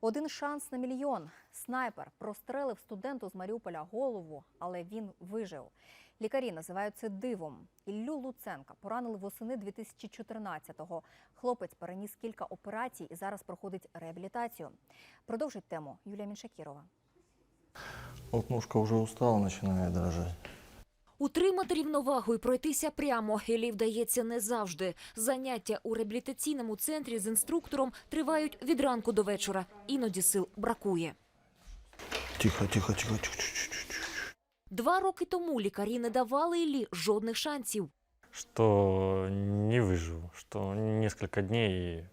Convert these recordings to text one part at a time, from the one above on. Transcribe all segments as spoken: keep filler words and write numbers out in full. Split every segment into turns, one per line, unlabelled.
Один шанс на мільйон. Снайпер прострелив студенту з Маріуполя голову, але він вижив. Лікарі називають це дивом. Іллю Луценка поранили восени дві тисячі чотирнадцятого. Хлопець переніс кілька операцій і зараз проходить реабілітацію. Продовжить тему Юлія Міншакірова.
Вот ножка уже устала, начинает дрожать.
Утримати рівновагу і пройтися прямо Іллі вдається не завжди. Заняття у реабілітаційному центрі з інструктором тривають від ранку до вечора. Іноді сил бракує.
Тихо, тихо, тихо, тихо, тихо, тихо.
Два роки тому лікарі не давали Іллі жодних шансів.
Что не выживу, что несколько дней и...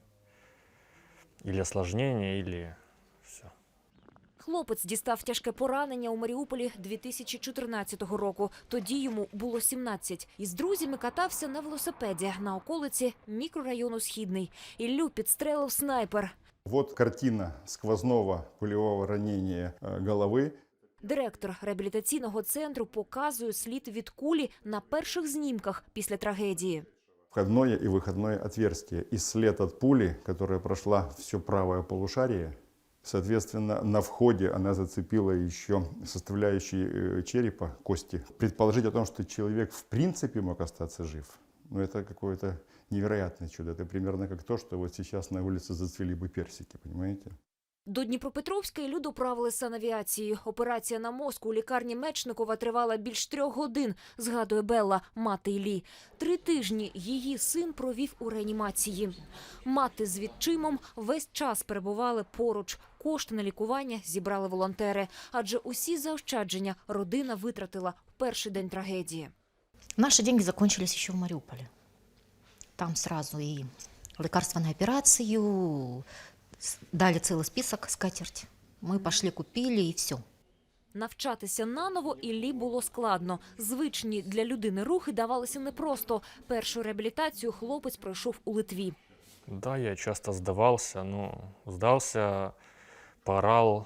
или осложнение, или все.
Хлопець дістав тяжке поранення у Маріуполі дві тисячі чотирнадцятого року. Тоді йому було сімнадцять. Із друзями катався на велосипеді на околиці мікрорайону Східний. Іллю підстрелив снайпер.
Вот картина сквозного пулевого ранения головы.
Директор реабілітаційного центру показує слід від кулі на перших знімках після трагедії.
Входное и выходное отверстие. И след от пули, которая прошла все правое полушарие. Соответственно, на входе она зацепила еще составляющие черепа, кости. Предположить о том, что человек в принципе мог остаться жив, ну это какое-то невероятное чудо. Это примерно как то, что вот сейчас на улице зацвели бы персики, понимаете?
До Дніпропетровська Іллю доправили санавіацією. Операція на мозку у лікарні Мечникова тривала більш трьох годин, згадує Белла, мати Іллі. Три тижні її син провів у реанімації. Мати з відчимом весь час перебували поруч. Кошти на лікування зібрали волонтери. Адже усі заощадження родина витратила в перший день трагедії.
Наши деньги закончились еще в Мариуполе. Там сразу и лекарства на операцию, дали целый список, скатерть. Мы пошли, купили и все.
Навчатися наново Іллі було складно. Звичні для людини рухи давалися непросто. Першу реабілітацію хлопець пройшов у Литві.
Да, я часто сдавался, но сдался, поорал,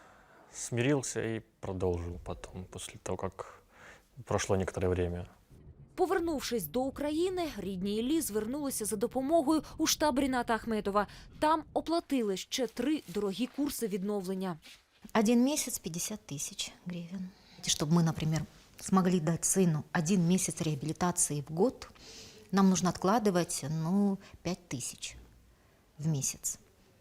смирился и продолжил потом, после того, как прошло некоторое время.
Повернувшись до України, рідні Іллі звернулися за допомогою у штаб Ріната Ахметова. Там оплатили ще три дорогі курси відновлення.
Один месяц пятьдесят тысяч гривен. Чтобы мы, например, смогли дать сыну один месяц реабилитации в год, нам нужно откладывать, ну, пять тысяч в месяц.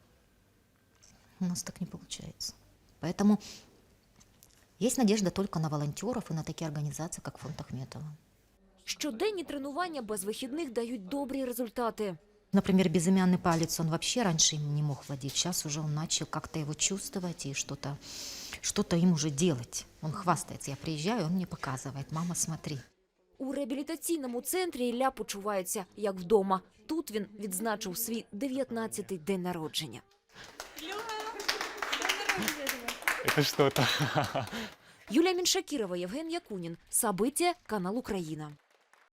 У нас так не получается. Поэтому есть надежда только на волонтеров и на такие организации, как фонд Ахметова.
Щоденні тренування без вихідних дають добрі результати.
Например, безымянный палец, он вообще раньше им не мог владеть. Сейчас уже он начал как-то его чувствовать и что-то что-то им уже делать. Он хвастается. Я приезжаю, он мне показывает: мама, смотри.
У реабілітаційному центрі Ілля почувається як вдома. Тут він відзначив свій дев'ятнадцятий день народження.
Это что-то.
Юлія Міншакірова, Євген Якунін. События, канал Україна.